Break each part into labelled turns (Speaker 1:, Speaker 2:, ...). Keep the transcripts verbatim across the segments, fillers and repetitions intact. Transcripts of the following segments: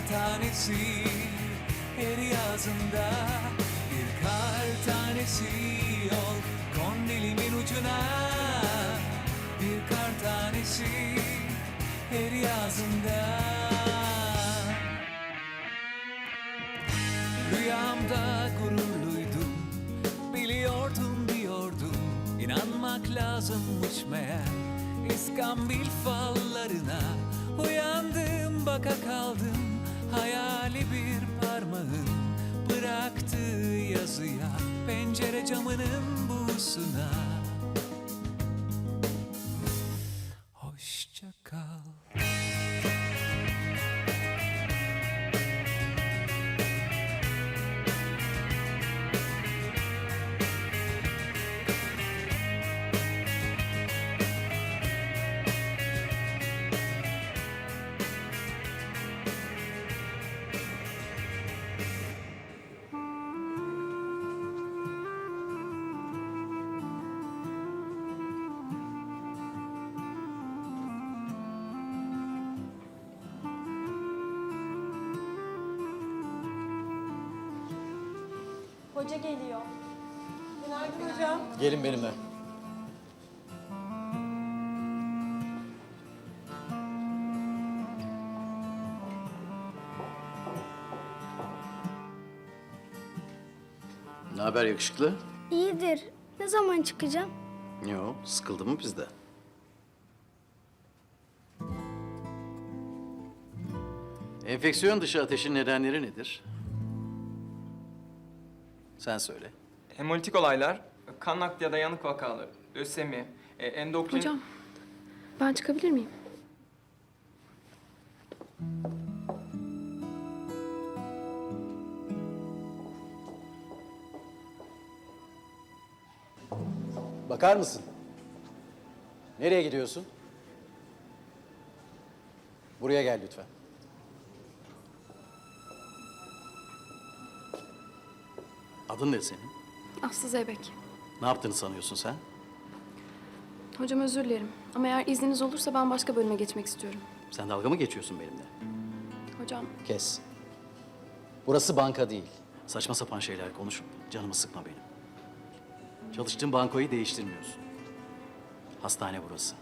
Speaker 1: tanesi her yazında. Bir kar tanesi ol kon dilimin ucuna. Bir kar tanesi her yazında. Rüyamda gururluydum, biliyordum diyordum. İnanmak lazımmış meğer İskambil fallarına. Uyandım baka kaldım hayali bir parmağın bıraktığı yazıya, pencere camının buğusuna. Hoşça kal.
Speaker 2: Hoca geliyor. Günaydın hocam.
Speaker 3: Gelin benimle. Ne haber yakışıklı?
Speaker 4: İyidir. Ne zaman çıkacağım?
Speaker 3: Yo, sıkıldı mı bizde? Enfeksiyon dışı ateşin nedenleri nedir? Sen söyle.
Speaker 5: Hemolitik olaylar, kan nakli ya da yanık vakaları, lösemi, e, endokrin...
Speaker 2: Hocam, ben çıkabilir miyim?
Speaker 3: Bakar mısın? Nereye gidiyorsun? Buraya gel lütfen. Adın ne senin?
Speaker 2: Aslı Zeybek.
Speaker 3: Ne yaptığını sanıyorsun sen?
Speaker 2: Hocam özür dilerim. Ama eğer izniniz olursa ben başka bölüme geçmek istiyorum.
Speaker 3: Sen dalga mı geçiyorsun benimle?
Speaker 2: Hocam,
Speaker 3: Kes. Burası banka değil. Saçma sapan şeyler konuşup canımı sıkma benim. Çalıştığın bankoyu değiştirmiyorsun. Hastane burası.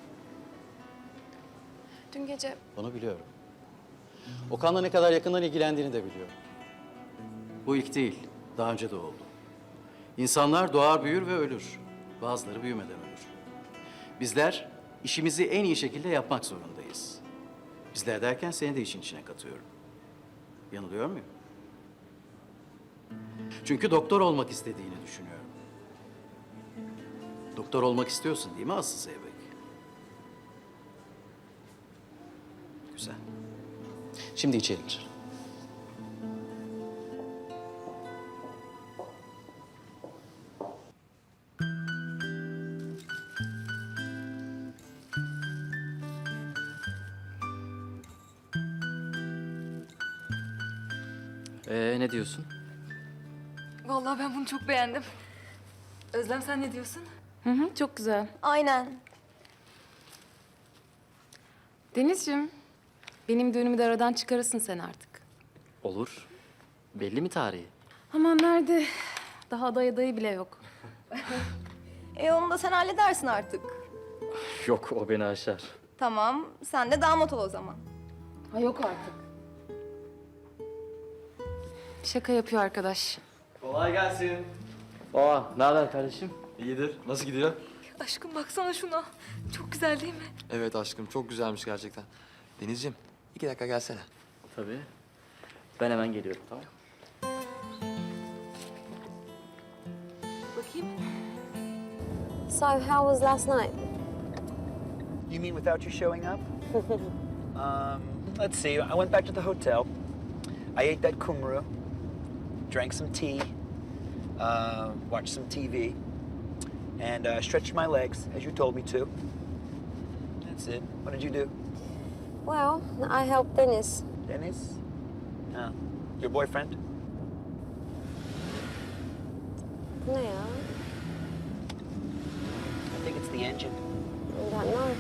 Speaker 2: dün gece
Speaker 3: Bunu biliyorum. Okan'la ne kadar yakından ilgilendiğini de biliyorum. Bu ilk değil, daha önce de oldu. İnsanlar doğar, büyür ve ölür. Bazıları büyümeden ölür. Bizler işimizi en iyi şekilde yapmak zorundayız. Bizler derken seni de işin içine katıyorum. Yanılıyor muyum? Çünkü doktor olmak istediğini düşünüyorum. Doktor olmak istiyorsun değil mi Aslı Zeybek? Güzel. Şimdi içeri gir.
Speaker 6: Ee, ne diyorsun?
Speaker 7: Vallahi ben bunu çok beğendim. Özlem sen ne diyorsun?
Speaker 2: Hı hı, çok güzel.
Speaker 4: Aynen.
Speaker 2: Denizciğim, benim düğünümü de aradan çıkarırsın sen artık.
Speaker 6: Olur. Belli mi tarihi?
Speaker 2: Aman nerede? Daha aday adayı bile yok.
Speaker 8: E onu da sen halledersin artık.
Speaker 6: Yok, o beni aşar.
Speaker 8: Tamam, sen de damat ol o zaman.
Speaker 2: Ha yok artık. Şaka yapıyor arkadaş.
Speaker 5: Kolay gelsin.
Speaker 6: Aa, ne haber kardeşim?
Speaker 9: İyidir. Nasıl gidiyor?
Speaker 7: Aşkım baksana şuna. Çok güzel değil mi?
Speaker 9: Evet aşkım, çok güzelmiş gerçekten. Denizciğim, iki dakika gelsene.
Speaker 6: Tabii. Ben hemen geliyorum, tamam.
Speaker 7: Bakayım.
Speaker 4: So, how was last night?
Speaker 10: You mean without you showing up? um, let's see. I went back to the hotel. I ate that kumru, drank some tea, uh, watched some T V, and uh, stretched my legs as you told me to. That's it. What did you do?
Speaker 4: Well, I helped Dennis.
Speaker 10: Dennis? Oh, your boyfriend?
Speaker 4: Ne ya?
Speaker 10: I think it's the engine.
Speaker 4: I don't know.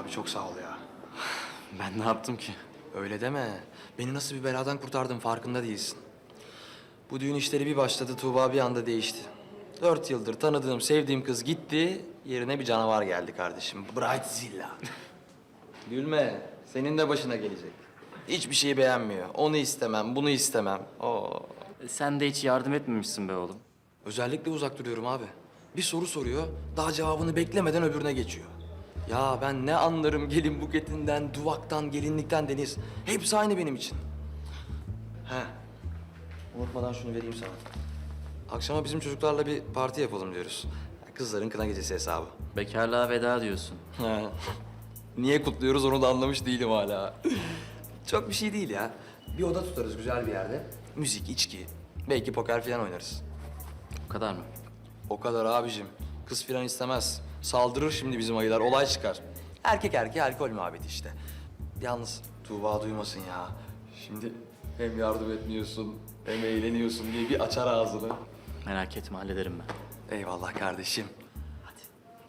Speaker 9: Abi çok sağ ol ya.
Speaker 6: Ben ne yaptım ki?
Speaker 9: Öyle deme. Beni nasıl bir beladan kurtardın farkında değilsin. Bu düğün işleri bir başladı, Tuğba bir anda değişti. Dört yıldır tanıdığım, sevdiğim kız gitti. Yerine bir canavar geldi kardeşim. Brightzilla. Gülme. Senin de başına gelecek. Hiçbir şeyi beğenmiyor. Onu istemem, bunu istemem. Oo.
Speaker 6: E, Sen de hiç yardım etmemişsin be oğlum.
Speaker 9: Özellikle uzak duruyorum abi. Bir soru soruyor, daha cevabını beklemeden öbürüne geçiyor. Ya ben ne anlarım gelin buketinden, duvaktan, gelinlikten Deniz. Hepsi aynı benim için. He. Unutmadan şunu vereyim sana. Akşama bizim çocuklarla bir parti yapalım diyoruz. Kızların kına gecesi hesabı.
Speaker 6: Bekarlığa veda diyorsun.
Speaker 9: He. Niye kutluyoruz onu da anlamış değilim hala. Çok bir şey değil ya. Bir oda tutarız güzel bir yerde. Müzik, içki, belki poker falan oynarız.
Speaker 6: O kadar mı?
Speaker 9: O kadar abicim. Kız filan istemez. Saldırır şimdi bizim ayılar, olay çıkar. Erkek erkeğe alkol muhabbeti işte. Yalnız Tuğba duymasın ya. Şimdi hem yardım etmiyorsun hem eğleniyorsun diye bir açar ağzını.
Speaker 6: Merak etme, hallederim ben.
Speaker 9: Eyvallah kardeşim. Hadi.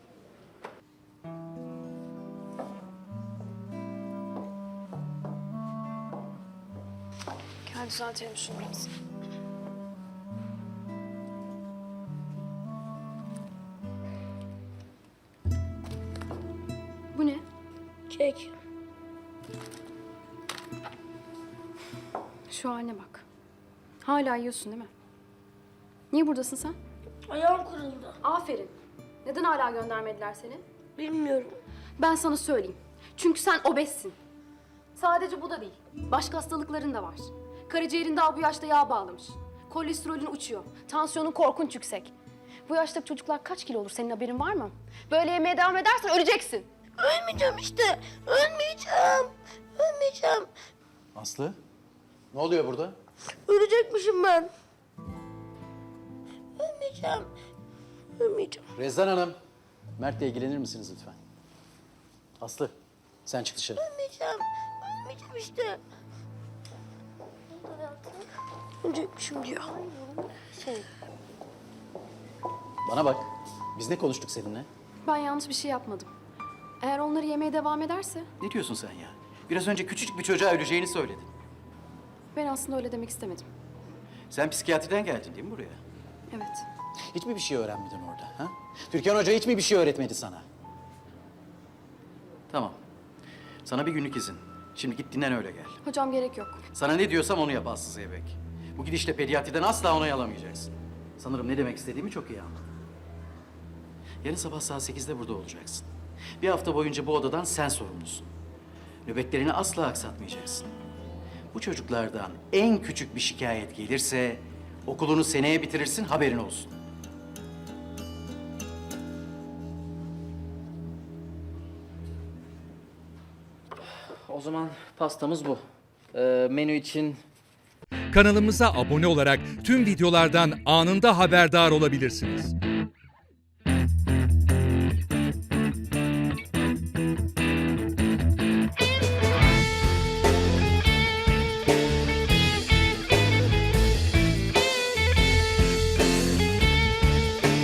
Speaker 2: Gel düzeltelim şunu biraz. Bu ne?
Speaker 4: Kek.
Speaker 2: Şu haline bak. Hala yiyorsun değil mi? Niye buradasın sen?
Speaker 8: Ayağım kırıldı.
Speaker 2: Aferin. Neden hala göndermediler seni?
Speaker 8: Bilmiyorum.
Speaker 2: Ben sana söyleyeyim. Çünkü sen obezsin. Sadece bu da değil. Başka hastalıkların da var. Karaciğerin daha bu yaşta yağ bağlamış. Kolesterolün uçuyor. Tansiyonun korkunç yüksek. Bu yaştaki çocuklar kaç kilo olur senin haberin var mı? Böyle yemeye devam edersen öleceksin.
Speaker 8: Ölmeyeceğim işte. Ölmeyeceğim. Ölmeyeceğim.
Speaker 3: Aslı, ne oluyor burada?
Speaker 8: Ölecekmişim ben. Ölmeyeceğim. Ölmeyeceğim.
Speaker 3: Rezan Hanım, Mert'le ilgilenir misiniz lütfen? Aslı, sen çık dışarı.
Speaker 8: Ölmeyeceğim. Ölmeyeceğim işte. Ölecekmişim diyor.
Speaker 4: Şey,
Speaker 3: Bana bak, biz ne konuştuk seninle?
Speaker 2: Ben yanlış bir şey yapmadım. Eğer onları yemeye devam ederse
Speaker 3: Ne diyorsun sen ya? Biraz önce küçücük bir çocuğa öleceğini söyledin.
Speaker 2: ben aslında öyle demek istemedim.
Speaker 3: Sen psikiyatriden geldin değil mi buraya?
Speaker 2: Evet.
Speaker 3: Hiç mi bir şey öğrenmedin orada? Ha? Türkan Hoca hiç mi bir şey öğretmedi sana? Tamam. Sana bir günlük izin. Şimdi git dinlen öyle gel.
Speaker 2: Hocam gerek yok.
Speaker 3: Sana ne diyorsam onu yap Aslı Zeybek. Bu gidişle pediatriden asla onay alamayacaksın. Sanırım ne demek istediğimi çok iyi anladın. Yarın sabah saat sekizde burada olacaksın. Bir hafta boyunca bu odadan sen sorumlusun. Nöbetlerini asla aksatmayacaksın. Bu çocuklardan en küçük bir şikayet gelirse okulunu seneye bitirirsin, haberin olsun.
Speaker 6: O zaman pastamız bu. Ee, menü için
Speaker 1: Kanalımıza abone olarak tüm videolardan anında haberdar olabilirsiniz.